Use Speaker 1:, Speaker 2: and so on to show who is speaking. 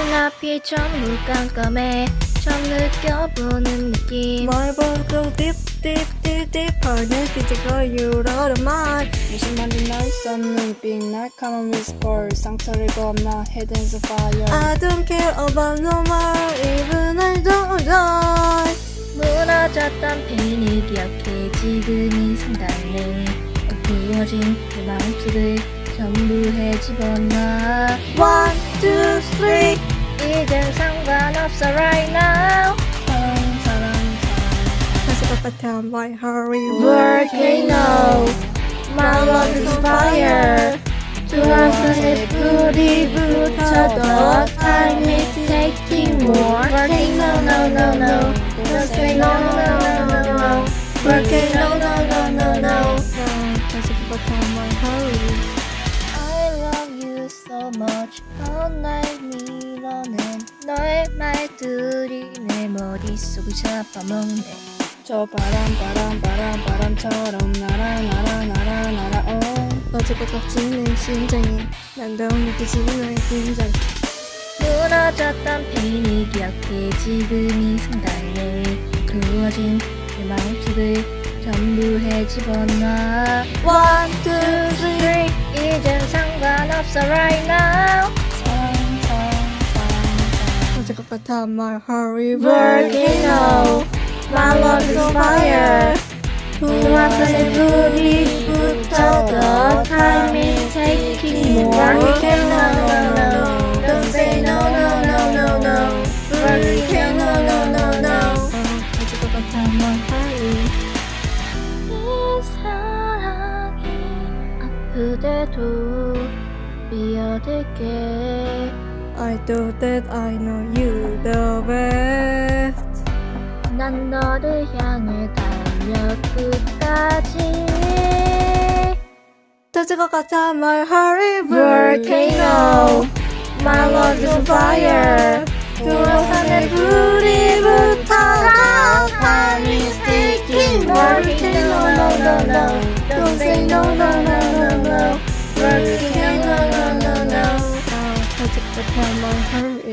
Speaker 1: 눈앞이 전부 깜깜해 처음 느껴보는 느낌
Speaker 2: 뭘 보고 딥딥딥딥 느끼지고 유로로만 무심한데 날 쏟는 빛 날카로운 whisper 상처를 겁나 head and fire I don't care about no more even I don't die
Speaker 1: 무너졌던 펜을 기억해 지금 이 순간에 부어진 내 마음속을 전부 헤집어놔
Speaker 2: One, two, three
Speaker 1: 이젠 상관없어 right now
Speaker 2: 사랑 다시 것 my hurry
Speaker 1: Volcano My love is fire 두화선에 불이 붙어도 Time is taking more Volcano no no no Don't say no no no no no Volcano no no no no
Speaker 2: 다시 것 my hurry
Speaker 1: I love you so much All night 밀어낸 너의 말들이 내 머릿속을 잡아먹네
Speaker 2: 저 바람처럼 날아 어제껏 꺾이는 심장이 난더 느껴지는 긴장
Speaker 1: 무너졌던 펜을 기억해 지금 이 순간에 그어진 내 마음속을 전부 헤집어놔
Speaker 2: One, two, three
Speaker 1: 이젠 상관없어 right now
Speaker 2: 어제껏 같아 my hurry
Speaker 1: Volcano My love is fire 두화선에 불이 붙어도 Time is taking more Volcano no no Don't say no no no no no Volcano no no no
Speaker 2: 어제껏 같아 my hurry
Speaker 1: 이 사랑이 아프대도 비어들게
Speaker 2: I thought that I know you the best
Speaker 1: 난 너를 향해 달려 끝까지
Speaker 2: 터질 것 같아 my hurry
Speaker 1: Volcano My love is fire 두화산에 불이 붙어도 Time is taking Volcano no no no Don't say no no no no no Volcano no no no
Speaker 2: 터질 것 같아 my hurry